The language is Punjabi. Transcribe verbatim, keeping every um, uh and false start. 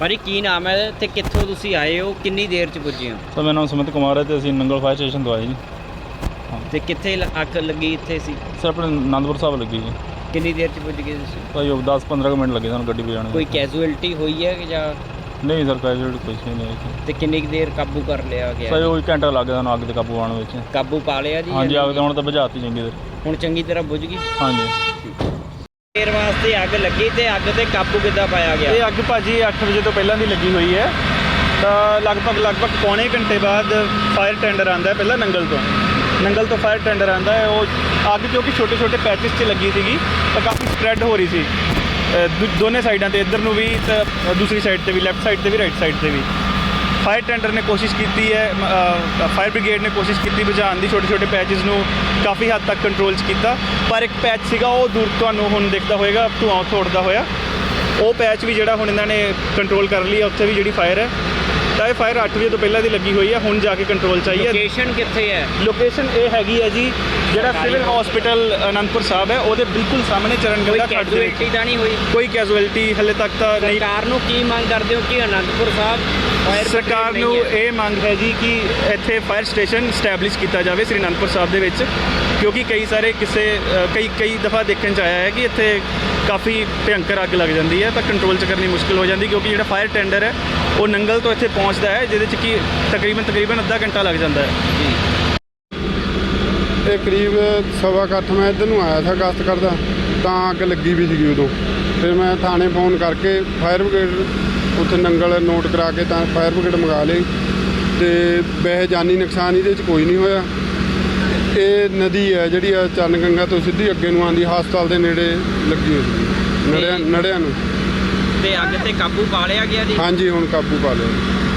ਭਾਜੀ ਕੀ ਨਾਮ ਹੈ ਤੇ ਕਿੱਥੋਂ ਤੁਸੀਂ ਆਏ ਹੋ, ਕਿੰਨੀ ਦੇਰ ਚ ਪੁੱਜੇ ਹੋ? ਸਰ ਮੇਰਾ ਨਾਮ ਸੁਮਿਤ ਕੁਮਾਰ ਹੈ ਤੇ ਅਸੀਂ ਨੰਗਲ ਫਾਇਰ ਸਟੇਸ਼ਨ ਤੋਂ ਆਏ ਜੀ। ਤੇ ਕਿੱਥੇ ਲ- ਅੱਗ ਲੱਗੀ ਇੱਥੇ ਸੀ? ਸਰ ਆਪਣੇ ਅਨੰਦਪੁਰ ਸਾਹਿਬ ਲੱਗੀ ਜੀ। ਕਿੰਨੀ ਦੇਰ ਚ ਪੁੱਜ ਗਏ ਤੁਸੀਂ? ਭਾਈ ਉਹ ਦਸ ਪੰਦਰਾਂ ਕੁ ਮਿੰਟ ਲੱਗੇ ਸਾਨੂੰ ਗੱਡੀ ਪਹੁੰਚਾਉਣ ਕੋਈ ਨੂੰ। ਕੈਜੂਅਲਟੀ ਹੋਈ ਹੈ ਕਿ ਜਾਂ ਨਹੀਂ ਸਰ ਕੈਜੂਅਲਟੀ ਕੁਛ ਵੀ ਨਹੀਂ ਹੋਈ। ਤੇ ਕਿੰਨੀ ਕੁ ਦੇਰ ਕਾਬੂ ਕਰ ਲਿਆ ਗਿਆ? ਸਰ ਉਹ ਘੰਟਾ ਲੱਗ ਗਿਆ ਸਾਨੂੰ ਅੱਗ ਤੇ ਕਾਬੂ ਪਾਉਣ ਵਿੱਚ। ਕਾਬੂ ਪਾ ਲਿਆ ਜੀ? ਹਾਂਜੀ ਅੱਗ ਤੇ ਹੁਣ ਤਾਂ ਬੁਝਾਤੀ ਚੰਗੀ ਤਰ੍ਹਾਂ। ਹੁਣ ਚੰਗੀ ਤਰ੍ਹਾਂ ਬੁਝ ਗਈ? ਹਾਂਜੀ। ਦੇਰ ਵਾਸਤੇ ਅੱਗ ਲੱਗੀ ਤੇ ਅੱਗ ਤੇ ਕਾਬੂ ਕਿੱਦਾਂ ਪਾਇਆ ਗਿਆ? ਇਹ ਅੱਗ ਭਾਜੀ ਅੱਠ ਵਜੇ ਤੋਂ ਪਹਿਲਾਂ ਦੀ ਲੱਗੀ ਹੋਈ ਹੈ ਤਾਂ ਲਗਭਗ ਲਗਭਗ ਪੌਣੇ ਘੰਟੇ ਬਾਅਦ ਫਾਇਰ ਟੈਂਡਰ ਆਉਂਦਾ ਹੈ। ਪਹਿਲਾਂ ਨੰਗਲ ਤੋਂ ਨੰਗਲ ਤੋਂ ਫਾਇਰ ਟੈਂਡਰ ਆਉਂਦਾ ਹੈ। ਉਹ ਅੱਗ ਕਿਉਂਕਿ ਛੋਟੇ ਛੋਟੇ ਪੈਚਿਸ 'ਚ ਲੱਗੀ ਸੀਗੀ ਤਾਂ ਕਾਫੀ ਸਪਰੈਡ ਹੋ ਰਹੀ ਸੀ ਅ, ਦੋ- ਦੋਨੇ ਸਾਈਡਾਂ 'ਤੇ, ਇੱਧਰ ਨੂੰ ਵੀ ਤੇ ਦੂਸਰੀ ਸਾਈਡ 'ਤੇ ਵੀ, ਲੈਫਟ ਸਾਈਡ 'ਤੇ ਵੀ, ਰਾਈਟ ਸਾਈਡ 'ਤੇ ਵੀ। ਫਾਇਰ ਟੈਂਡਰ ਨੇ ਕੋਸ਼ਿਸ਼ ਕੀਤੀ ਹੈ, ਫਾਇਰ ਬ੍ਰਿਗੇਡ ਨੇ ਕੋਸ਼ਿਸ਼ ਕੀਤੀ ਬੁਝਾਉਣ ਦੀ, ਛੋਟੇ ਛੋਟੇ ਪੈਚਿਸ ਨੂੰ ਕਾਫੀ ਹੱਦ ਤੱਕ ਕੰਟਰੋਲ 'ਚ ਕੀਤਾ। ਪਰ ਇੱਕ ਪੈਚ ਸੀਗਾ ਉਹ ਦੂਰ ਤੁਹਾਨੂੰ ਹੁਣ ਦਿਖਦਾ ਹੋਏਗਾ ਧੂੰਆਂ ਉੱਠਦਾ ਹੋਇਆ, ਉਹ ਪੈਚ ਵੀ ਜਿਹੜਾ ਹੁਣ ਇਹਨਾਂ ਨੇ ਕੰਟਰੋਲ ਕਰ ਲਈ ਹੈ। ਉੱਥੇ ਵੀ ਜਿਹੜੀ ਫਾਇਰ ਹੈ ਤਾਂ ਇਹ ਫਾਇਰ ਅੱਠ ਵਜੇ ਤੋਂ ਪਹਿਲਾਂ ਦੀ ਲੱਗੀ ਹੋਈ ਹੈ, ਹੁਣ ਜਾ ਕੇ ਕੰਟਰੋਲ 'ਚ ਆਈ ਹੈ। ਲੋਕੇਸ਼ਨ ਕਿੱਥੇ ਹੈ? ਲੋਕੇਸ਼ਨ ਇਹ ਹੈਗੀ ਹੈ ਜੀ ਜਿਹੜਾ ਸਿਵਲ ਹਸਪੀਟਲ ਅਨੰਦਪੁਰ ਸਾਹਿਬ ਹੈ ਉਹਦੇ ਬਿਲਕੁਲ ਸਾਹਮਣੇ ਕੋਈ ਚਰਨਗੰਗਾ ਖੱਡ ਦੇ ਵਿੱਚ। ਕੈਜੂਅਲਟੀ ਤਾਂ ਨਹੀਂ ਹੋਈ? ਕੋਈ ਕੈਜੂਅਲਟੀ ਹਲੇ ਤੱਕ ਤਾਂ ਨਹੀਂ। ਸਰਕਾਰ ਨੂੰ ਕੀ ਮੰਗ ਕਰਦੇ ਹੋ ਕਿ ਅਨੰਦਪੁਰ ਸਾਹਿਬ ਫਾਇਰ ਸਰਕਾਰ ਬ੍ਰਿਗੇਡ ਨੂੰ ਨਹੀਂ ਹੈ? ਇਹ ਮੰਗ ਹੈ ਜੀ ਕਿ ਇੱਥੇ ਫਾਇਰ ਸਟੇਸ਼ਨ ਸਟੈਬਲਿਸ਼ ਕੀਤਾ ਜਾਵੇ ਸ੍ਰੀ ਅਨੰਦਪੁਰ ਸਾਹਿਬ ਦੇ ਵਿੱਚ, ਕਿਉਂਕਿ ਕਈ ਸਾਰੇ ਕਿਸੇ ਅ, ਕਈ ਕਈ ਦਫਾ ਦੇਖਣ 'ਚ ਆਇਆ ਹੈ ਕਿ ਇੱਥੇ ਕਾਫੀ ਭਿਅੰਕਰ ਅੱਗ ਲੱਗ ਜਾਂਦੀ ਹੈ ਤਾਂ ਕੰਟਰੋਲ 'ਚ ਕਰਨੀ ਮੁਸ਼ਕਿਲ ਹੋ ਜਾਂਦੀ, ਕਿਉਂਕਿ ਜਿਹੜਾ ਫਾਇਰ ਟੈਂਡਰ ਹੈ ਉਹ ਨੰਗਲ ਤੋਂ ਇੱਥੇ ਪਹੁੰਚਦਾ ਹੈ, ਜਿਹਦੇ 'ਚ ਕਿ ਤਕਰੀਬਨ ਤਕਰੀਬਨ ਅੱਧਾ ਘੰਟਾ ਲੱਗ ਜਾਂਦਾ ਹੈ। ਇਹ ਕਰੀਬ ਸਵਾ ਕੁ ਅੱਠ ਮੈਂ ਇੱਧਰ ਨੂੰ ਆਇਆ ਸੀ ਗਸਤ ਕਰਦਾ ਤਾਂ ਅੱਗ ਲੱਗੀ ਵੀ ਸੀਗੀ ਉਦੋਂ। ਫਿਰ ਮੈਂ ਥਾਣੇ ਫੋਨ ਕਰਕੇ ਫਾਇਰ ਬ੍ਰਿਗੇਡ ਉੱਥੇ ਨੰਗਲ ਨੋਟ ਕਰਾ ਕੇ ਤਾਂ ਫਾਇਰ ਬ੍ਰਿਗੇਡ ਮੰਗਾ ਲਈ ਤੇ ਵੈਸੇ ਜਾਨੀ ਨੁਕਸਾਨ ਇਹਦੇ 'ਚ ਕੋਈ ਨਹੀਂ ਹੋਇਆ। ਇਹ ਨਦੀ ਹੈ ਜਿਹੜੀ ਆ ਚਰਨਗੰਗਾ ਤੋਂ ਸਿੱਧੀ ਅੱਗੇ ਨੂੰ ਆਉਂਦੀ, ਹਸਪਤਾਲ ਦੇ ਨੇੜੇ ਲੱਗੀ ਹੋਈ ਸੀ ਨੜਿਆਂ ਨੜਿਆਂ ਨੂੰ। ਤੇ ਅੱਗ ਤੇ ਕਾਬੂ ਪਾ ਲਿਆ ਗਿਆ ਜੀ? ਹਾਂਜੀ ਹੁਣ ਕਾਬੂ ਪਾ ਲਿਆ।